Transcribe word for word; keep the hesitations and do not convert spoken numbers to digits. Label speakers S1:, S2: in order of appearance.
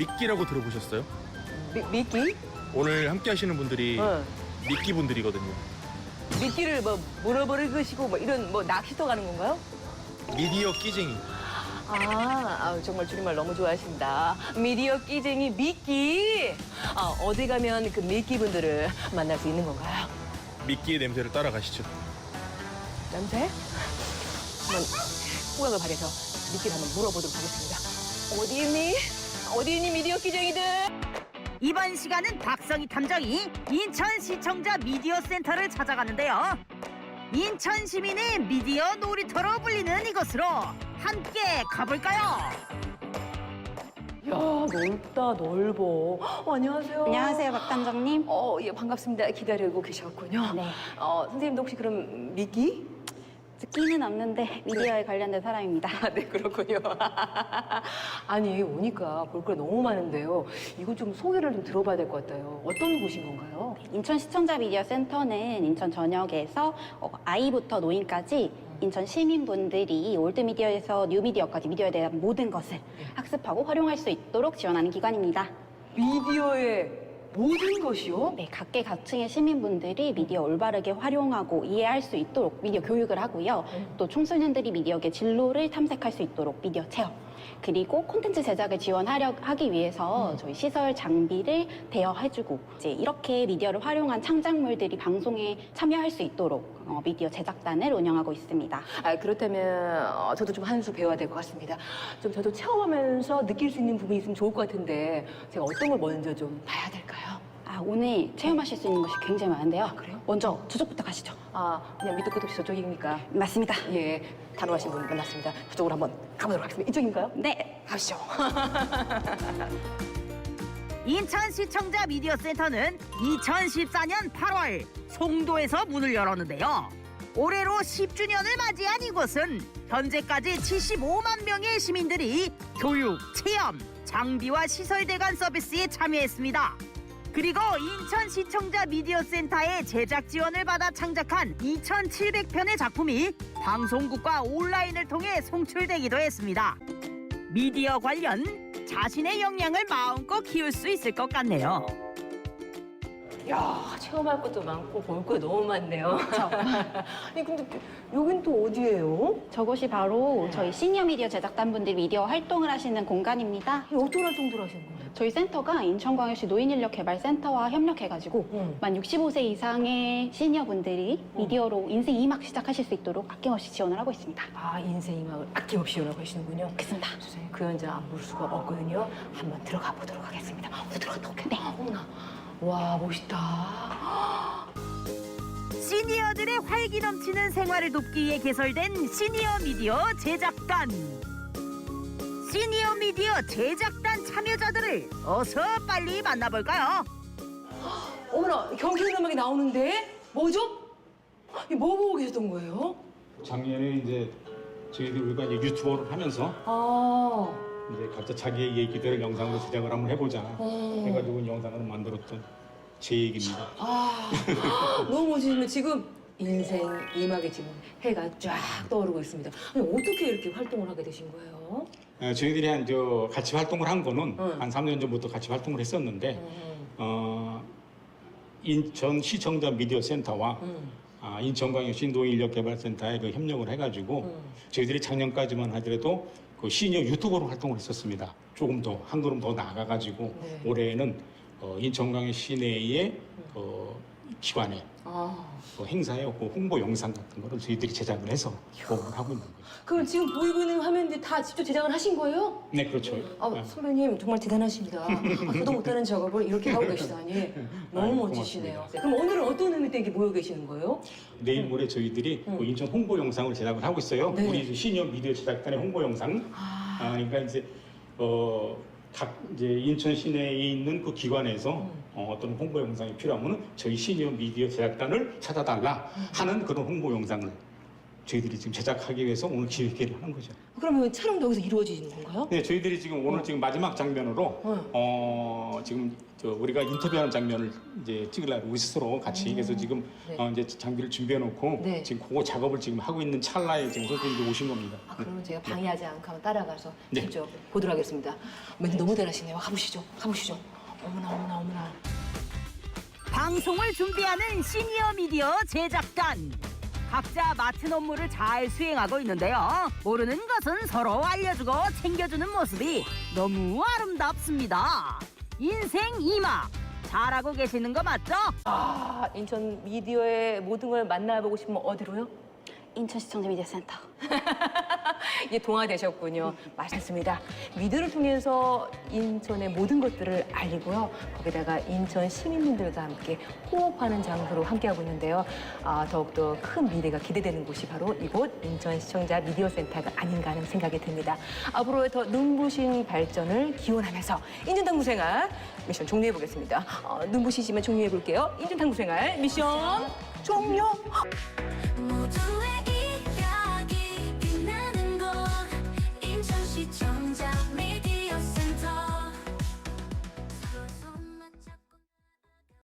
S1: 미끼라고 들어보셨어요?
S2: 미, 미끼?
S1: 오늘 함께 하시는 분들이
S2: 어.
S1: 미끼 분들이거든요.
S2: 미끼를 뭐 물어버리시고 뭐 이런 뭐 낚시터 가는 건가요?
S1: 미디어 끼쟁이.
S2: 아, 아우, 정말 줄임말 너무 좋아하신다. 미디어 끼쟁이 미끼. 아, 어디 가면 그 미끼 분들을 만날 수 있는 건가요?
S1: 미끼의 냄새를 따라가시죠.
S2: 냄새? 한번 후각을 발휘해서 미끼를 한번 물어보도록 하겠습니다. 어디 있니? 어디 있니 미디어 끼쟁이들?
S3: 이번 시간은 박성희 탐정이 인천시청자 미디어 센터를 찾아가는데요. 인천 시민의 미디어 놀이터로 불리는 이곳으로 함께 가볼까요?
S2: 야, 넓다, 넓어. 어, 안녕하세요.
S4: 안녕하세요, 박 탐정님.
S2: 어, 예, 반갑습니다. 기다리고 계셨군요.
S4: 네.
S2: 어, 선생님도 혹시 그럼 미끼?
S4: 끼는 없는데 미디어에 관련된 사람입니다.
S2: 아, 네, 그렇군요. 아니, 오니까 볼 거 너무 많은데요. 이거 좀 소개를 좀 들어봐야 될 것 같아요. 어떤 곳인 건가요?
S4: 인천 시청자 미디어 센터는 인천 전역에서 어, 아이부터 노인까지 인천 시민분들이 올드미디어에서 뉴미디어까지 미디어에 대한 모든 것을 학습하고 활용할 수 있도록 지원하는 기관입니다.
S2: 미디어의 모든 것이요?
S4: 네, 각계각층의 시민분들이 미디어 올바르게 활용하고 이해할 수 있도록 미디어 교육을 하고요. 또 청소년들이 미디어계 진로를 탐색할 수 있도록 미디어 체험, 그리고 콘텐츠 제작을 지원하려 하기 위해서 저희 시설 장비를 대여해주고 이제 이렇게 미디어를 활용한 창작물들이 방송에 참여할 수 있도록 어, 미디어 제작단을 운영하고 있습니다.
S2: 아, 그렇다면 어, 저도 좀 한 수 배워야 될 것 같습니다. 좀 저도 체험하면서 느낄 수 있는 부분이 있으면 좋을 것 같은데 제가 어떤 걸 먼저 좀 봐야 될까요?
S4: 아, 오늘 체험하실 수 있는 것이 굉장히 많은데요.
S2: 아, 그래요?
S4: 먼저 저쪽부터 가시죠.
S2: 아, 그냥 밑도 끝도 없이 저쪽입니까?
S4: 맞습니다.
S2: 예, 단호하신 분 만났습니다. 저쪽으로 한번 가보도록 하겠습니다. 이쪽인가요?
S4: 네.
S2: 가시죠.
S3: 인천시청자 미디어 센터는 이천십사 년 팔월 송도에서 문을 열었는데요. 올해로 십 주년을 맞이한 이곳은 현재까지 칠십오만 명의 시민들이 교육, 체험, 장비와 시설 대관 서비스에 참여했습니다. 그리고 인천시청자 미디어 센터의 제작 지원을 받아 창작한 이천칠백 편의 작품이 방송국과 온라인을 통해 송출되기도 했습니다. 미디어 관련 자신의 역량을 마음껏 키울 수 있을 것 같네요.
S2: 야, 체험할 것도 많고 볼 거 너무 많네요. 아니, 근데 여긴 또 어디예요?
S4: 저곳이 바로 저희 시니어 미디어 제작단 분들이 미디어 활동을 하시는 공간입니다.
S2: 이 어떤 활동들 하시는 거예요?
S4: 저희 센터가 인천광역시 노인인력개발센터와 협력해가지고
S2: 음.
S4: 만 육십오 세 이상의 시니어분들이 미디어로 인생 이 막 시작하실 수 있도록 아낌없이 지원을 하고 있습니다.
S2: 아, 인생 이막을 아낌없이 연하고 계시는군요.
S4: 그렇습니다.
S2: 선생님, 그 현장 안 볼 수가 없거든요. 한번 들어가 보도록 하겠습니다. 어디 들어갔다 올게요. 네. 어머나. 와, 멋있다.
S3: 시니어들의 활기 넘치는 생활을 돕기 위해 개설된 시니어 미디어 제작단. 시니어 미디어 제작단 참여자들을 어서 빨리 만나볼까요?
S2: 어머나, 경쾌한 음악이 나오는데? 뭐죠? 이뭐 보고 계셨던 거예요?
S5: 작년에 이제 저희들 우리가 이제 유튜버를 하면서
S2: 아,
S5: 이제 각자 자기의 얘기들을 영상으로 제작을 한번 해보자
S2: 어.
S5: 해가지고 영상을 만들었던 제 얘기입니다.
S2: 아, 너무 멋지시네. 지금 인생 이막에 지금 해가 쫙 떠오르고 있습니다. 아니, 어떻게 이렇게 활동을 하게 되신 거예요?
S5: 어, 저희들이 한 저 같이 활동을 한 거는
S2: 응.
S5: 한 삼 년 전부터 같이 활동을 했었는데
S2: 음,
S5: 어, 인천 시청자 미디어 센터와
S2: 음,
S5: 아, 인천광역시 노인인력개발센터에 그 협력을 해가지고
S2: 음.
S5: 저희들이 작년까지만 하더라도 그 시니어 유튜버로 활동을 했었습니다. 조금 더 한 걸음 더 나아가가지고
S2: 네.
S5: 올해는 어, 인천광역 시내의 어, 기관에
S2: 아.
S5: 그 행사에 그 홍보 영상 같은 거를 저희들이 제작을 해서 공부를 하고 있는 거죠.
S2: 그럼 지금 보이고 있는 화면들 다 직접 제작을 하신 거예요?
S5: 네, 그렇죠.
S2: 아,
S5: 네.
S2: 선배님 정말 대단하십니다. 아, 저도 못하는 작업을 이렇게 하고 계시다니 너무
S5: 아유,
S2: 멋지시네요.
S5: 고맙습니다.
S2: 네, 그럼 오늘은 어떤 의미 때문에 모여 계시는 거예요?
S5: 내일 모레 저희들이
S2: 음.
S5: 그 인천 홍보 영상을 제작을 하고 있어요.
S2: 네.
S5: 우리 시니어 미디어 제작단의 홍보 영상.
S2: 아,
S5: 아, 그러니까 이제 어, 각 이제 인천 시내에 있는 그 기관에서
S2: 음.
S5: 어, 어떤 홍보 영상이 필요하면 저희 시니어 미디어 제작단을 찾아달라 하는 그런 홍보 영상을 저희들이 지금 제작하기 위해서 오늘 기획회를 하는 거죠.
S2: 그러면 촬영도 여기서 이루어지는 건가요?
S5: 네, 저희들이 지금 오늘 지금 마지막 장면으로
S2: 어.
S5: 어, 지금 저 우리가 인터뷰하는 장면을 이제 찍으려고 스스로 같이 그래서 지금
S2: 네.
S5: 어, 이제 장비를 준비해 놓고
S2: 네.
S5: 지금 그거 작업을 지금 하고 있는 찰나에 지금 선생님들 오신 겁니다.
S2: 아, 그러면 제가 방해하지 않고 한번 따라가서
S5: 네.
S2: 직접 보도록 하겠습니다. 멘트 너무 잘하시네요. 가보시죠. 가보시죠. 어머나 어머나 어머나.
S3: 방송을 준비하는 시니어 미디어 제작단. 각자 맡은 업무를 잘 수행하고 있는데요. 모르는 것은 서로 알려주고 챙겨주는 모습이 너무 아름답습니다. 인생 이마 잘하고 계시는 거 맞죠?
S2: 아, 인천 미디어의 모든 걸 만나보고 싶으면 어디로요?
S4: 인천시청자 미디어센터.
S2: 이제 동화되셨군요. 맞습니다. 미디어를 통해서 인천의 모든 것들을 알리고요. 거기다가 인천 시민분들과 함께 호흡하는 장소로 함께하고 있는데요. 아, 더욱더 큰 미래가 기대되는 곳이 바로 이곳 인천시청자 미디어센터가 아닌가 하는 생각이 듭니다. 앞으로의 더 눈부신 발전을 기원하면서 인천탐구생활 미션 종료해보겠습니다. 어, 눈부시지만 종료해볼게요. 인천탐구생활 미션 종료!